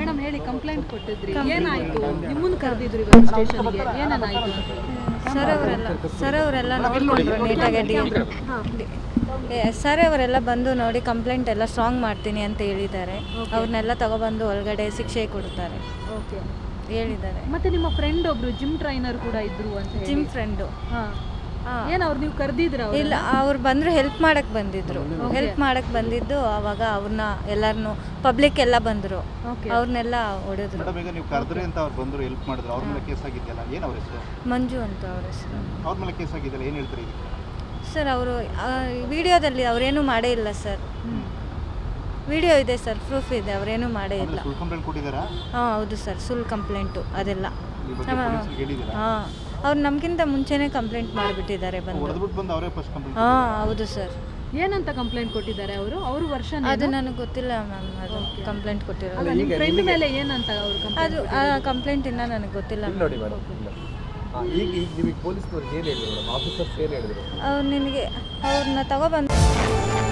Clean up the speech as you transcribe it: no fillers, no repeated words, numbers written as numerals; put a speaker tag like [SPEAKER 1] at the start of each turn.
[SPEAKER 1] Madam ಹೇಳಿ, complaint ಕೊಟ್ಟಿದ್ರಿ, ಏನಾಯ್ತು? ನಿಮ್ಮನ್ನು ಕರೆದಿದ್ರು ಇವತ್ತು ಸ್ಟೇಷನ್ಗೆ, ಏನೇನಾಯ್ತು?
[SPEAKER 2] ಸರ್ ಅವರೆಲ್ಲ ನೋಡಿಕೊಂಡ್ರು ನೀಟಾಗಿ. ಸರ್ ಅವರೆಲ್ಲ ಬಂದು ನೋಡಿ ಕಂಪ್ಲೇಂಟ್ ಎಲ್ಲ ಸ್ಟ್ರಾಂಗ್ ಮಾಡ್ತೀನಿ ಅಂತ ಹೇಳಿದ್ದಾರೆ. ಅವ್ರನ್ನೆಲ್ಲ ತಗೊಬಂದು ಒಳಗಡೆ ಶಿಕ್ಷೆ ಕೊಡ್ತಾರೆ
[SPEAKER 1] ಓಕೆ
[SPEAKER 2] ಹೇಳಿದ್ದಾರೆ.
[SPEAKER 1] ಮತ್ತೆ ನಿಮ್ಮ ಫ್ರೆಂಡ್ ಒಬ್ರು ಜಿಮ್ ಟ್ರೈನರ್ ಕೂಡ ಇದ್ರು ಅಂತ ಹೇಳಿ.
[SPEAKER 2] ಜಿಮ್ ಫ್ರೆಂಡು
[SPEAKER 1] ಏನು ಅವ್ರು ನೀವು ಕರೆದಿದ್ರ?
[SPEAKER 2] ಇಲ್ಲ, ಅವ್ರು ಬಂದರು ಹೆಲ್ಪ್ ಮಾಡಕ್ಕೆ ಬಂದಿದ್ರು. ಹೆಲ್ಪ್ ಮಾಡಕ್ಕೆ ಬಂದಿದ್ದು ಆವಾಗ ಅವ್ರನ್ನ ಎಲ್ಲರನ್ನು ಪಬ್ಲಿಕ್ ಎಲ್ಲ ಬಂದರು, ಅವ್ರನ್ನೆಲ್ಲ ಹೊಡೆದ್ರು.
[SPEAKER 3] ಮೇಡಮ್, ಈಗ ನೀವು ಕರೆದ್ರಿ ಅಂತ ಅವ್ರು ಬಂದರು, ಹೆಲ್ಪ್ ಮಾಡಿದ್ರು, ಅವ್ರ ಮೇಲೆ ಕೇಸ್ ಆಗಿದೆಯಲ್ಲ, ಏನು ಅವ್ರ ಹೆಸರು?
[SPEAKER 2] ಮಂಜು ಅಂತ ಅವ್ರ ಹೆಸರು.
[SPEAKER 3] ಅವ್ರ ಮೇಲೆ ಕೇಸ್ ಆಗಿದೆಯಲ್ಲ, ಏನು ಹೇಳ್ತೀರಿ ಇದಕ್ಕೆ?
[SPEAKER 2] ಸರ್ ಅವರು ವಿಡಿಯೋದಲ್ಲಿ ಅವರೇನೂ ಮಾಡೇ ಇಲ್ಲ ಸರ್. ವಿಡಿಯೋ ಇದೆ ಸರ್, ಪ್ರೂಫ್ ಇದೆ, ಅವರೇನೂ ಮಾಡೇ ಇಲ್ಲ.
[SPEAKER 3] ಸುಳ್ಳು ಕಂಪ್ಲೇಂಟ್ ಕೊಟ್ಟಿದ್ದಾರಾ?
[SPEAKER 2] ಹಾಂ ಹೌದು ಸರ್, ಸುಳ್ಳು ಕಂಪ್ಲೇಂಟು ಅದೆಲ್ಲ.
[SPEAKER 3] ಈ ಬಗ್ಗೆ ಪೊಲೀಸರಿಗೆ ಹೇಳಿದ್ದೀರಾ?
[SPEAKER 2] ಹಾಂ, ಅವ್ರು ನಮಗಿಂತ ಮುಂಚೆನೇ ಕಂಪ್ಲೇಂಟ್ ಮಾಡಿಬಿಟ್ಟಿದ್ದಾರೆ ಬಂದು.
[SPEAKER 3] ಹೊಡೆದ್ಬಿಟ್ಟು ಬಂದು ಅವರೇ ಫಸ್ಟ್ ಕಂಪ್ಲೇಂಟ್?
[SPEAKER 2] ಹಾಂ ಹೌದು ಸರ್.
[SPEAKER 1] ಏನಂತ ಕಂಪ್ಲೇಂಟ್ ಕೊಟ್ಟಿದ್ದಾರೆ ಅವರು? ಅವ್ರ ವರ್ಷ
[SPEAKER 2] ಅದು ನನಗೆ ಗೊತ್ತಿಲ್ಲ ಮ್ಯಾಮ್, ಅದು ಕಂಪ್ಲೇಂಟ್ ಕೊಟ್ಟಿರೋದು.
[SPEAKER 1] ನಿಮ್ಮ ಫ್ರೆಂಡ್ ಮೇಲೆ ಏನಂತ ಅವರು?
[SPEAKER 2] ಅದು ಕಂಪ್ಲೇಂಟ್ ಇನ್ನೂ ನನಗೆ ಗೊತ್ತಿಲ್ಲ.
[SPEAKER 4] ನೋಡಿ ಮೇಡಮ್, ಈಗ ನಿಮಗೆ ಪೊಲೀಸ್ನವ್ರು ಏನು ಹೇಳಿದ್ರು ಮೇಡಮ್? ಆಫೀಸರ್ಸ್ ಏನು ಹೇಳಿದ್ರು?
[SPEAKER 2] ಅವ್ರು ನಿನಗೆ ಅವ್ರನ್ನ ತಗೊಬಂದು